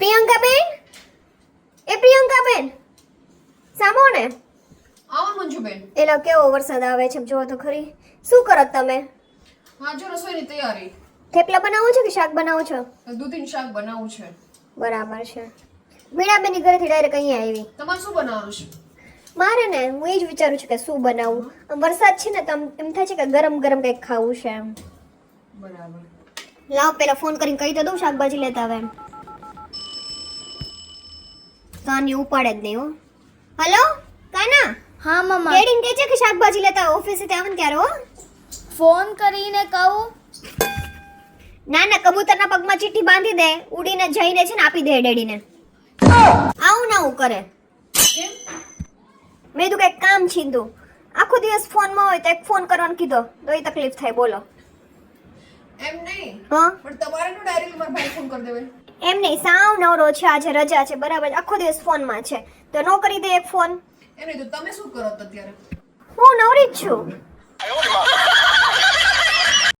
પ્રિયંકાબેન, એ પ્રિયંકાબેન, સામો ને. આવો મંજુબેન. એલા કેવો વરસાદ આવે છે જો તો ખરી. શું કરો તમે? હા જો રસોઈની તૈયારી. થેપલા બનાવો છો કે શાક બનાવો છો? દૂધીનું શાક બનાવવું છે. બરાબર છે. મીણાબેનની ઘરેથી ડાયરેક્ટ અહીંયા આવી. તમારે શું બનાવવાનું છે? મારે ને હું એ જ વિચારું છું કે શું બનાવું. વરસાદ છે ને તો એમ થાય છે કે ગરમ ગરમ કંઈક ખાવું છે એમ. બરાબર. લાવ પેલા ફોન કરીને કહી તો દઉં શાકભાજી લેતા આવે એમ. કાની ઉપાડે જ નહીં હો. હલો કાના. હા મમ્મા, ડેડીને કહે છે કે શાકભાજી લેતા ઓફિસેથી આવે ને ત્યારે હો. ફોન કરીને કહું? ના ના, કબૂતરના પગમાં ચીઠ્ઠી બાંધી દે, ઉડીને જઈને છે ને આપી દે ડેડીને. આવું ના આવું કરે. કેમ? મેં કીધું કંઈક કામ છીંધું. આખો દિવસ ફોનમાં હોય તો એક ફોન કરવાનો કીધો તો એ તકલીફ થાય. બોલો. એમ નહીં. હા પણ તમારે નો ડાયરેક્ટ મારા ભાઈ ફોન કરી દેવાય. એમ નહીં, સાવ નવરો છે, આજે રજા છે બરાબર, આખો દિવસ ફોનમાં છે તો નો કરી દે એક ફોન. એમ નહીં તો તમે શું કરો તો અત્યારે? હું નવરી જ છું.